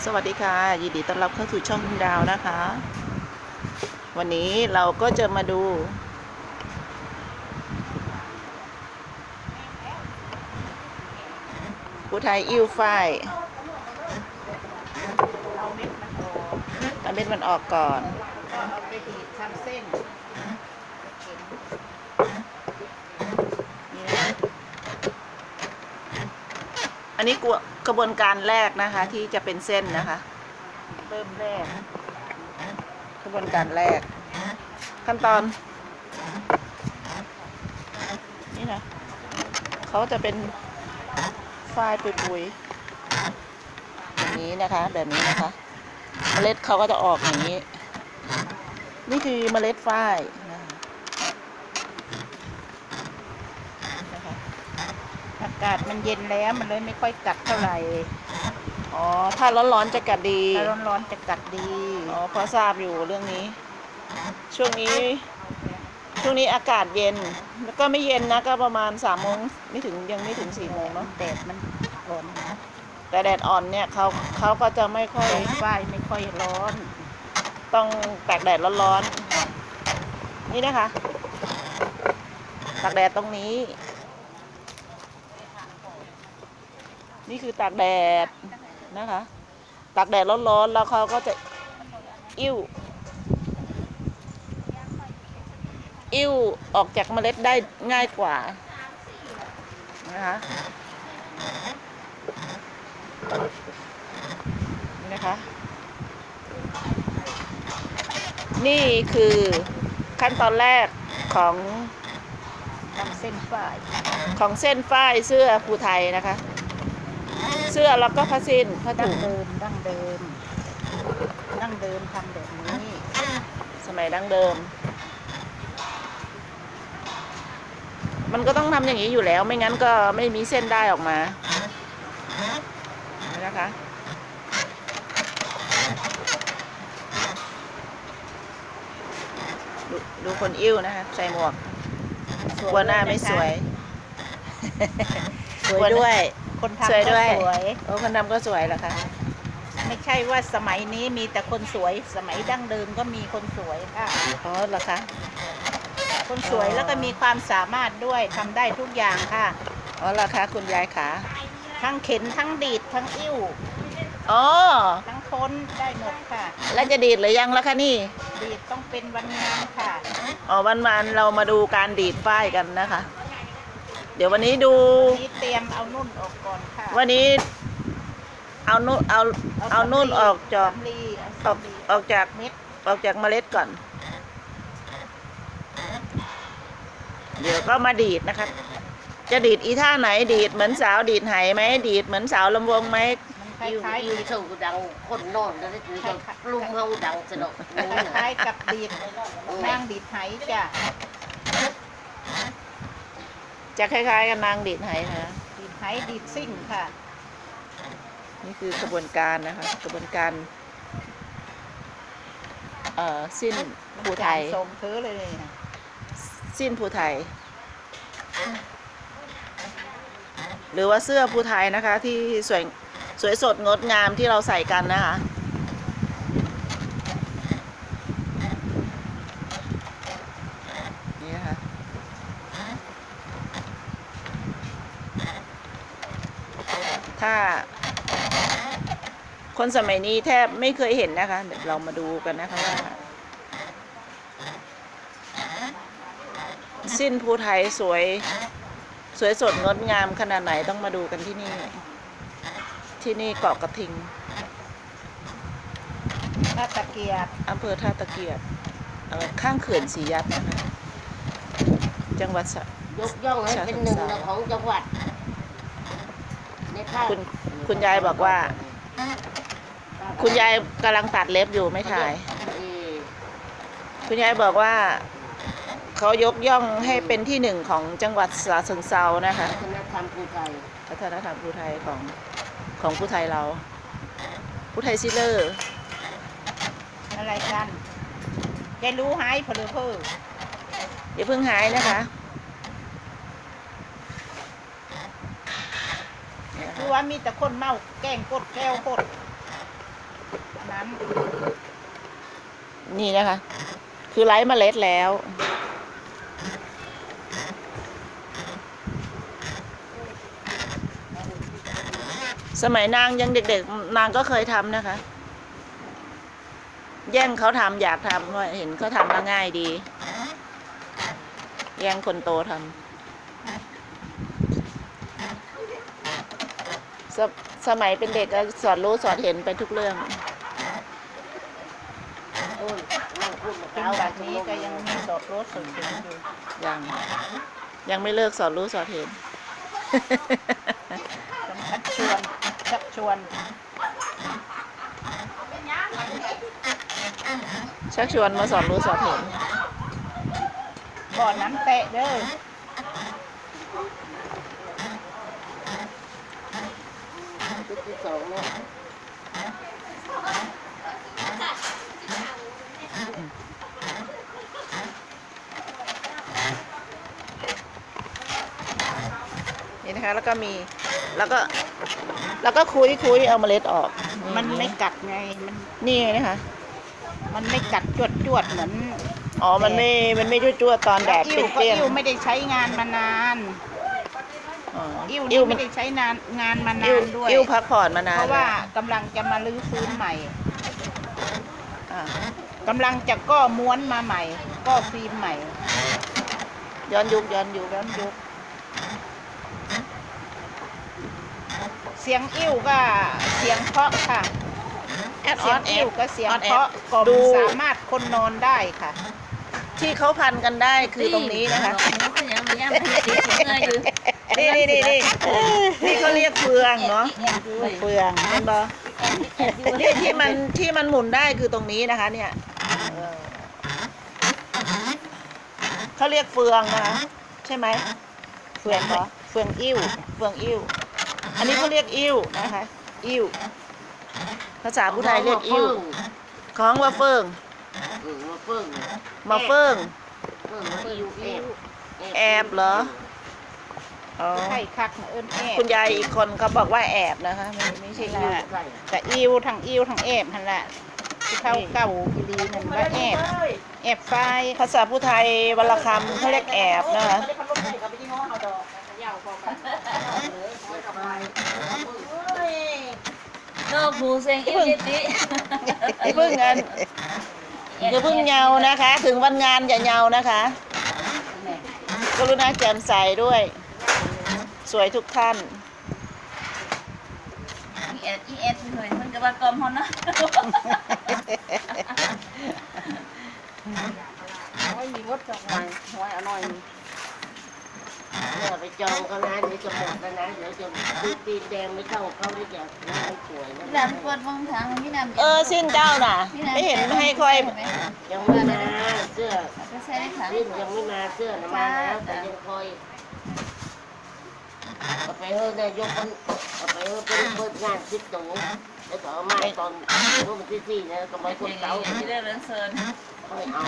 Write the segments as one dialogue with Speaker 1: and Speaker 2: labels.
Speaker 1: สวัสดีค่ะยินดีต้อนรับเข้าสู่ช่องคุณดาวนะคะ วันนี้เราก็จะมาดูผู้ไทยอิ้วฝ้ายเอาเม็ดมันออกก่อน
Speaker 2: ก็เอาไปดีดทำเส้น
Speaker 1: นี่นะอันนี้กระบวนการแรกนะคะที่จะเป็นเส้นนะคะเริ่มแรกกระบวนการแรกขั้นตอนนี่นะเขาจะเป็นฝ้ายปุยๆอย่างนี้นะคะแบบนี้นะคะเมล็ดเขาก็จะออกอย่างนี้นี่คือเมล็ดฝ้ายนะคะ
Speaker 2: อากาศมันเย็นแล้วมันเลยไม่ค่อยกัดเท่าไหร่
Speaker 1: อ๋อถ้าร้อนๆจะกัดดี
Speaker 2: ถ้าร้อนๆจะกัดดี
Speaker 1: อ๋อพอทราบอยู่เรื่องนี้ ช่วงนี้อากาศเย็นแล้วก็ไม่เย็นนะก็ประมาณ3 โมงไม่ถึงยังไม่ถึง4 โมงเนาะ
Speaker 2: แดดมันร้อน
Speaker 1: แต่แดดอ่อนเนี่ยเขาก็จะไม่ค่อย
Speaker 2: ฝ้ายไม่ค่อยร้อน
Speaker 1: ต้องตากแดดร้อนๆนี่นะคะตากแดดตรงนี้ นี่คือตากแดดนะคะตากแดดร้อนๆแล้วเขาก็จะอิ่วออกจากเมล็ดได้ง่ายกว่านะคะนี่นะคะนี่คือขั้นตอนแรกของ
Speaker 2: ทำเส้นฝ้าย
Speaker 1: เส้นฝ้ายเสื้อภูไทยนะคะเสื้อแล้วก็ผ้าสิ้นผ้า
Speaker 2: ดั้
Speaker 1: ถุ
Speaker 2: ง
Speaker 1: ง
Speaker 2: เดิมทำแบบนี้
Speaker 1: สมัยดั้งเดิมมันก็ต้องทำอย่างนี้อยู่แล้วไม่งั้นก็ไม่มีเส้นได้ออกมานะคะดูคนอิ่วนะคะใส่หมวกกลัวหน้าไม่สวย
Speaker 2: สวยด้วยคนทำ
Speaker 1: สวย
Speaker 2: ก็
Speaker 1: ด้วย
Speaker 2: สวย
Speaker 1: โอ้คนทำก็สวยเหรอคะ
Speaker 2: ไม่ใช่ว่าสมัยนี้มีแต่คนสวย สมัยดั้งเดิมก็มีคนสวยค่ะ
Speaker 1: อ๋อเหรอคะ
Speaker 2: คนสวยแล้วก็มีความสามารถด้วยทำได้ทุกอย่างค่ะ
Speaker 1: อ๋อเหรอคะคุณยายขา
Speaker 2: ทั้งเข็นทั้งดีดทั้งอิ่ว
Speaker 1: อ๋อ
Speaker 2: ทั้งค้นได้หมดค่ะ
Speaker 1: แล้วจะดีดหรือยังล่ะคะนี่
Speaker 2: ดีดต้องเป็นวันงานค่ะ
Speaker 1: อ๋อวันเรามาดูการดีดฝ้ายกันนะคะ เดี๋ยววันนี้ดู
Speaker 2: นี่เตรียมเอานุ่นออกก่อนค่ะ
Speaker 1: วันนี้เอานุ่นเอานุ่นออกจาก
Speaker 2: สำลี
Speaker 1: ออกจาก
Speaker 2: เม็ด
Speaker 1: เมล็ดก่อน เดี๋ยวก็มาดีดนะคะจะดีดอีท่าไหนดีดเหมือนสาวดีดไหไหมดีดเหมือนสาวลำวงไหม
Speaker 2: มันค
Speaker 3: อยู่
Speaker 2: ล้าย
Speaker 3: อยู่ถูกดังคนนอนแล้วนี่ก็ลุมเฮาดังสนุก
Speaker 2: ๆคล้ายกับดีดนางดีดไหจ้ะ
Speaker 1: จะคล้ายๆกับนางดีดไหนะ
Speaker 2: ดีดไหดีดซิ่งค่ะ
Speaker 1: นี่คือกระบวนการนะคะกระบวนการสิ้นภูไทย
Speaker 2: ส่งเธอเลยนะ
Speaker 1: สิ้นภูไทย หรือว่าเสื้อภูไทยนะคะที่สวยสดงดงามที่เราใส่กันนะคะนี่นะคะถ้าคนสมัยนี้แทบไม่เคยเห็นนะคะเดี๋ยวเรามาดูกันนะคะว่าสิ้นภูไทยสวยสดงดงามขนาดไหนต้องมาดูกันที่นี่เกาะกระทิง
Speaker 2: ถ้าตะเกียบ
Speaker 1: อำเภอท่าตะเกียบข้างเขื่อนศรียัดนะคะจังหวัด
Speaker 3: ยกย่องให้เป็นหนึ่งของจังหวัดในภาค
Speaker 1: คุณยายบอกว่า คุณยายกำลังตัดเล็บอยู่ไม่ถ่าย คุณยายบอกว่าเขายกย่องให้เป็นที่หนึ่งของจังหวัดฉะเชิงเทรานะคะ
Speaker 3: วัฒนธรรมภูไทย
Speaker 1: วัฒนธรรมภูไทยของภูไทยเราภูไทยซิเลอร์
Speaker 2: อะไรกันยายรู้หายเพลือเพื่อ
Speaker 1: อย่าเพิ่งหายนะคะ
Speaker 2: คือว่ามีแต่คนเมาแกล้งกดแก้วกดนั้น
Speaker 1: นี่นะคะ คือไร้เมล็ดแล้ว สมัยนางยังเด็กๆ นางก็เคยทำนะคะ แย่งเขาทำอยากทำเพราะเห็นเขาทำแล้วง่ายดี แย่งคนโตทำสมัยเป็นเด็กก็สอนรู้สอนเห็นไปทุกเรื่อง
Speaker 3: นู่นนั่งพูดมา
Speaker 2: จน
Speaker 3: เช้า
Speaker 2: บัดนี้ก็ยังมีสดรสสดเห็นอยู่
Speaker 1: ยังไม่เลิกสอนรู้สอนเห็น
Speaker 2: ต้องชักชวน
Speaker 1: ชักชวนมาสอนรู้สอนเห็น
Speaker 2: บ่อน้ำเตะเด้อ
Speaker 3: ชุดที่สองเนี่ย
Speaker 1: นี่นะคะ แล้วก็มี แล้วก็คุยเอาเมล็ดออก
Speaker 2: มันไม่กัดไง
Speaker 1: นี่ไงนะคะ
Speaker 2: มันไม่กัดจวดเหมือน
Speaker 1: อ๋อ มันไม่จ้วๆตอนแดด
Speaker 2: อิ่ว
Speaker 1: เปรี้ยง
Speaker 2: อิ่วไม่ได้ใช้งานมานาน
Speaker 1: ๆอ๋อ
Speaker 2: อิ่ว
Speaker 1: อิ่ว
Speaker 2: นี่
Speaker 1: มั
Speaker 2: ไม่
Speaker 1: น
Speaker 2: ได้ใช้งานมานา
Speaker 1: อิ่วน
Speaker 2: ด้วย
Speaker 1: อิ่วพักผ่อนมานาน
Speaker 2: เพราะว่ากำลังจะมาลื้อฟื้นใหม่
Speaker 1: อ่ะ
Speaker 2: กำลังจะก็ม้วนมาใหม่ ก็ฟิล์มใหม่
Speaker 1: ย้อนยุค
Speaker 2: ย้อนยุคเสียงอิ่วก็เสียงเพราะค่ะ
Speaker 1: แอดอ
Speaker 2: เสี
Speaker 1: อย น
Speaker 2: ง
Speaker 1: แอ
Speaker 2: อิ่ว
Speaker 1: ด
Speaker 2: ก็เสียง
Speaker 1: ออนแอ
Speaker 2: เพราะ
Speaker 1: ด
Speaker 2: กล่อม
Speaker 1: ดู
Speaker 2: สามารถคนนอนได้ค่ะ
Speaker 1: ที่เขาพันกันได้คือตรงนี้นะคะ
Speaker 4: หนูก็ยังไม่ย่ำให้ติดเงยอยู่
Speaker 1: นี่เขาเรียกเฟืองเนาะเฟืองเห็นปะนี่ที่มันหมุนได้คือตรงนี้นะคะ เนี่ยเออเขาเรียกเฟืองนะคะใช่ไหมเฟืองเหรอเฟืองอิ่วเฟืองอิ่วอันนี้เขาเรียกอิ่วนะคะ อิ่วภาษาผู้ไทยเรียกอิ่วของว่าเฟือง
Speaker 3: มาเฟิ่ง
Speaker 1: มาเฟือง
Speaker 3: เฟิ่งมาอิวแอบ
Speaker 1: แอบเหรออ๋อ
Speaker 2: ใช่คักเอิ้นแอบ
Speaker 1: คุณยายอีกคนเขาบอกว่าแอบนะคะไม่ใช่อิ่ว
Speaker 3: ใส่
Speaker 2: แต่อิ่วทั้งแอบหันละที่เข้าเก่าอีลีนั่นว่าแอบไฟ
Speaker 1: ภาษาผู้ไทยวรรณคำเขาเรียกแอบนะคะ
Speaker 4: นอกหูเสียงอิ่วเจติ
Speaker 1: อย่าเพิ่งกันอย่าเพิ่งเหงานะคะ ถึงวันงานอย่าเหงานะคะกรุณาแจ่มใสด้วย สวยทุกท่าน
Speaker 4: อีเอสหน่อยมันก็ว่ากลมฮอนนะ
Speaker 3: ไม่มีวัดจังหวะหวยอร่อยเนี่ยไปจองเขานะเดี๋ยวจะหมดแล้วนะเดี๋ยวจะตีนแดงไม่เข้าเขาได้จะน้ำสวยนะ
Speaker 4: น้ำปวดวงทางมีน้ำ
Speaker 1: สิ้นเจ้าน่ะ ไม่เห็นไม่ให้ค่อย
Speaker 3: ยังไม่มาเสื้อ
Speaker 4: ไปใส่ในถัง
Speaker 3: สิ้นยังไม่มาเสื้อนะมาแล้วแต่ยังคอยเอาไปเฮ้ยนายกมันเอาไปเฮ้ยเป็นเปิดงานคิดตูแล้วก็เอามาตอนรุ่นที่สี่เนี่ยก็ไปคนเก่า
Speaker 4: ที่ได้เรียนเซิร์น
Speaker 3: ไม่เอา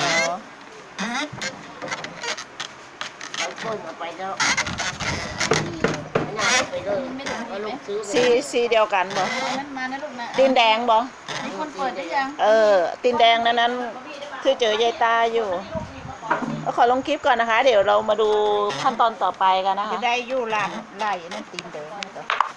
Speaker 3: เอาคนเอาไปแล้วไม่น่าเอาไปเลยเอาลูกซื้อไป
Speaker 1: สีเดียวกันบ่
Speaker 4: มันมานะลูกนะ
Speaker 1: ตีนแดงบ่
Speaker 4: มีคนเปิดได้ยัง
Speaker 1: ตีนแดงนั้นคือเจอยายตาอยู่ขอลงคลิปก่อนนะคะ เดี๋ยวเรามาดูขั้นตอนต่อไปกันนะคะ
Speaker 2: จะได้อยู่ร้านไล่นั่นตีนเดิม